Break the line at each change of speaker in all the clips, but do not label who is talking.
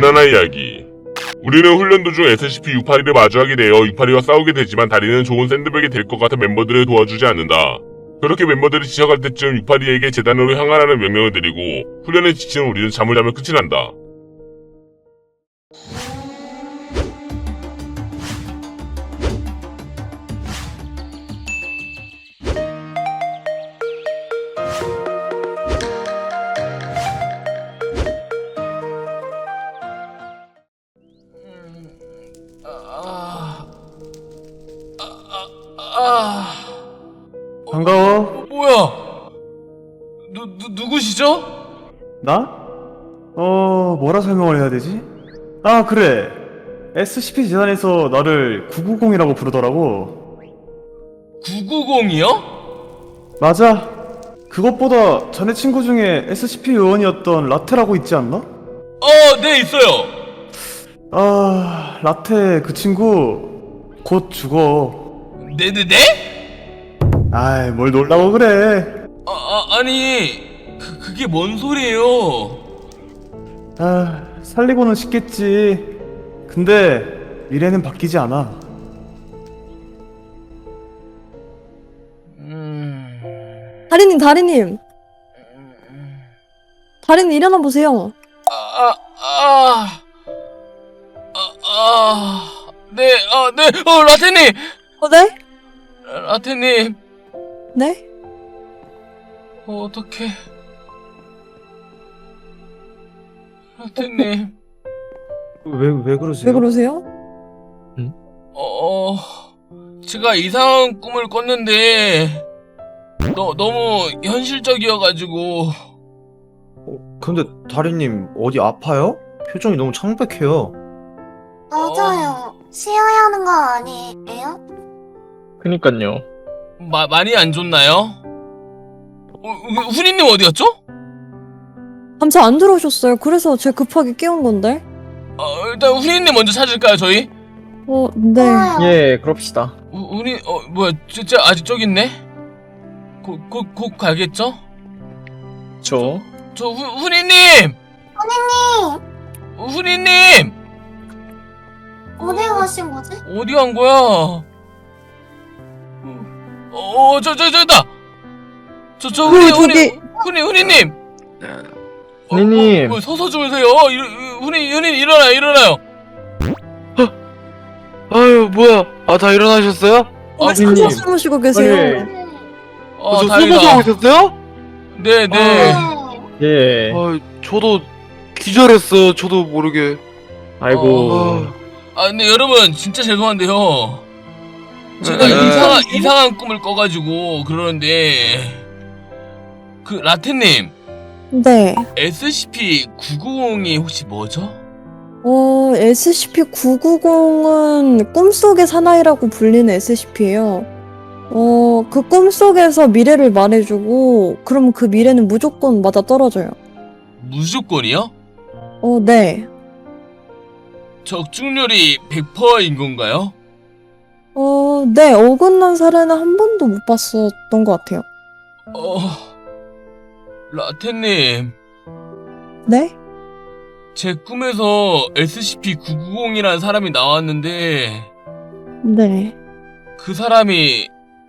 지난화 이야기. 우리는 훈련 도중 SCP-682를 마주하게 되어 682와 싸우게 되지만 다리는 좋은 샌드백이 될 것 같아 멤버들을 도와주지 않는다. 그렇게 멤버들이 지쳐갈 때쯤 682에게 재단으로 향하라는 명령을 내리고 훈련에 지친 우리는 잠을 자며 끝이 난다.
반가워.
뭐야? 누구시죠?
나? 뭐라 설명을 해야 되지? 아, 그래. SCP 재단에서 나를 990이라고 부르더라고.
990이요?
맞아. 그것보다 자네 친구 중에 SCP 요원이었던 라테라고 있지 않나?
네, 있어요.
아, 라테 그 친구 곧 죽어.
네?
아이, 뭘 놀라고 그래.
아니, 그게 뭔 소리예요?
아, 살리고는 싶겠지. 근데 미래는 바뀌지 않아.
다리님. 다리님 일어나 보세요.
네, 라테님!
네?
라테님,
네?
어떡해. 라테님,
왜 그러세요?
왜 그러세요?
제가 이상한 꿈을 꿨는데, 너무 현실적이어가지고.
근데 다리님 어디 아파요? 표정이 너무 창백해요.
맞아요. 쉬어야 하는 거 아니에요?
그니까요.
많이 안 좋나요? 후니님 어디였죠?
밤새 안 들어오셨어요. 그래서 제가 급하게 깨운 건데.
일단 후니님 먼저 찾을까요, 저희?
네.
좋아요.
예, 그럽시다.
후니, 뭐야, 진짜 아직 저기 있네? 곧 가겠죠?
저
후니님! 후니님!
어디 가신 거지?
어디 간 거야? 저기다! 후니님!
후니님.
서서 주무세요. 후니님, 일어나요.
아유 뭐야 다 일어나셨어요?
혼자 주무시고 계세요.
저 숨어서
다행이다.
오셨어요?
네.
네.
예.
저도 기절했어요 저도 모르게
아이고.
근데 여러분, 진짜 죄송한데요. 제가
네.
이상한 꿈을 꿔가지고 그러는데, 라테님,
네.
SCP-990이 혹시 뭐죠?
SCP-990은 꿈속의 사나이라고 불리는 SCP예요. 그 꿈속에서 미래를 말해주고, 그럼 그 미래는 무조건 맞아 떨어져요.
무조건이요?
네.
적중률이 100%인 건가요?
네. 어긋난 사례는 한 번도 못 봤었던 것 같아요.
라테님,
네?
제 꿈에서 SCP-990이라는 사람이 나왔는데,
네.
그 사람이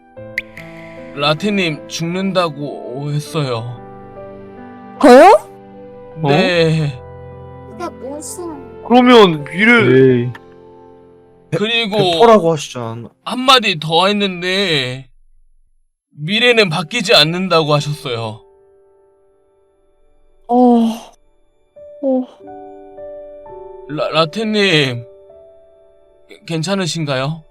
라테님 죽는다고 했어요.
저요?
네.
그게 무슨...
그러면 미래
에이.
그리고
백퍼라고 하시잖아.
한마디 더 했는데, 미래는 바뀌지 않는다고 하셨어요. 라테님, 괜찮으신가요?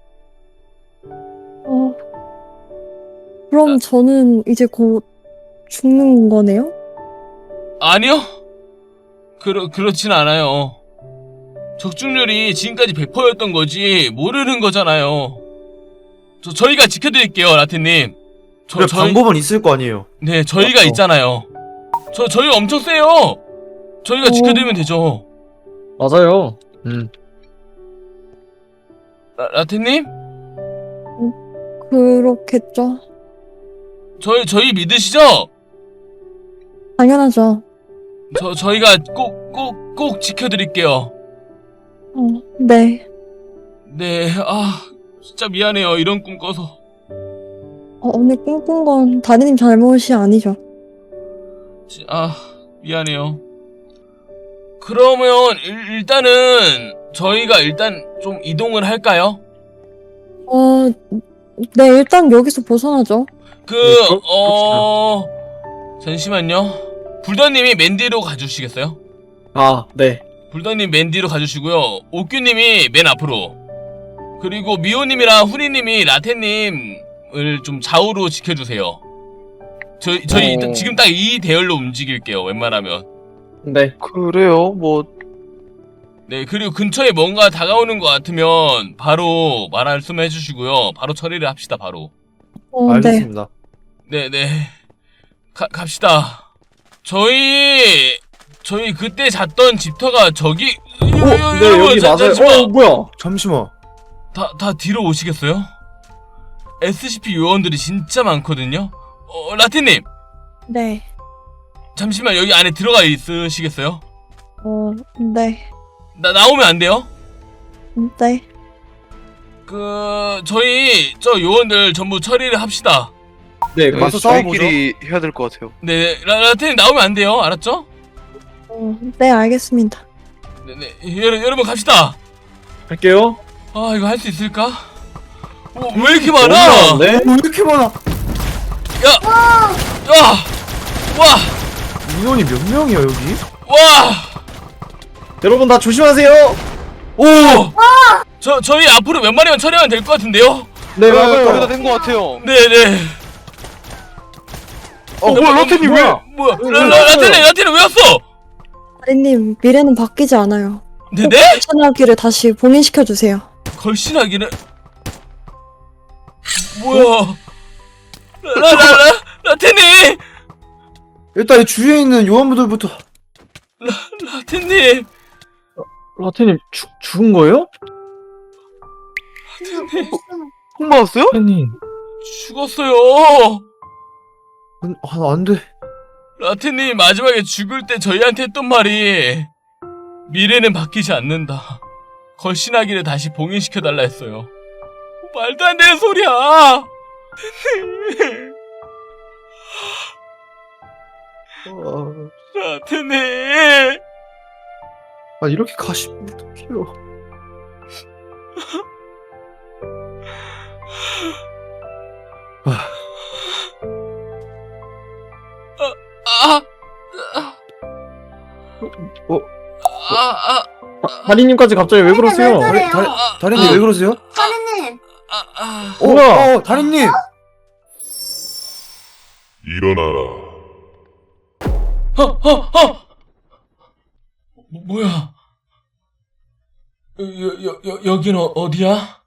그럼 저는 이제 곧 죽는 거네요?
아니요. 그렇진 않아요. 적중률이 지금까지 100%였던 거지 모르는 거잖아요. 저희가 지켜드릴게요, 라테님.
그래, 방법은 있을 거 아니에요.
네, 저희가
맞죠?
있잖아요. 저희 엄청 세요. 저희가 지켜드리면 되죠.
맞아요.
라테님? 저희가 꼭 지켜드릴게요.
네.
네, 진짜 미안해요. 이런 꿈 꿔서.
오늘 꿈꾼 건 다리님 잘못이 아니죠.
미안해요. 그러면 일단은 저희가 좀 이동을 할까요?
네, 일단 여기서 벗어나죠.
잠시만요. 불더님이 맨 뒤로 가주시겠어요?
아, 네.
불더님 맨 뒤로 가주시고요. 옥규님이 맨 앞으로. 그리고 미호님이랑 후리님이 라테님을 좀 좌우로 지켜주세요. 저희 일단 지금 딱 이 대열로 움직일게요. 웬만하면.
네.
그래요, 뭐.
네, 그리고 근처에 뭔가 다가오는 것 같으면 바로 말씀해 주시고요. 바로 처리를 합시다, 바로.
네.
알겠습니다.
네네. 갑시다. 저희 그때 잤던 집터가 저기.
네, 여기 맞아요. 뭐야?
잠시만.
다 뒤로 오시겠어요? SCP 요원들이 진짜 많거든요? 라틴님!
네.
잠시만 여기 안에 들어가 있으시겠어요?
네.
나오면 안 돼요?
네.
저희 저 요원들 전부 처리를 합시다.
네, 가서 싸워보죠.
저희끼리 해야 될 것 같아요.
네, 라틴님 나오면 안 돼요. 알았죠?
네, 알겠습니다.
네네. 여러분 갑시다.
할게요.
이거 할 수 있을까? 왜 이렇게 많아?
네?
왜 이렇게 많아?
와!
인원이 몇 명이야 여기?
와!
여러분 다 조심하세요.
오! 저희 앞으로 몇 마리만 처리하면 될 것 같은데요?
네,
거의 다
맞아요.
된 것 같아요.
네네.
뭐야, 라테님 왜?
뭐야?
왜
라틴님 왜 왔어?
다리님, 미래는 바뀌지 않아요.
네네?
천하기를 다시 봉인시켜주세요.
걸신하기는 뭐야? 라틴님!
일단 이 주위에 있는 요원분들부터.
라틴님!
라테님 죽은 거예요?
콩 맞았어요?
라테님.
죽었어요.
안 돼.
라틴님 마지막에 죽을 때 저희한테 했던 말이 미래는 바뀌지 않는다. 걸신하기를 다시 봉인시켜달라 했어요. 말도 안 되는 소리야. 라틴님.
이렇게 가시면 어떡해요.
다리님까지 갑자기 왜 그러세요?
왜 그래요?
다리님 왜 그러세요?
다리님.
뭐야?
다리님.
일어나라.
뭐야? 여긴 어디야?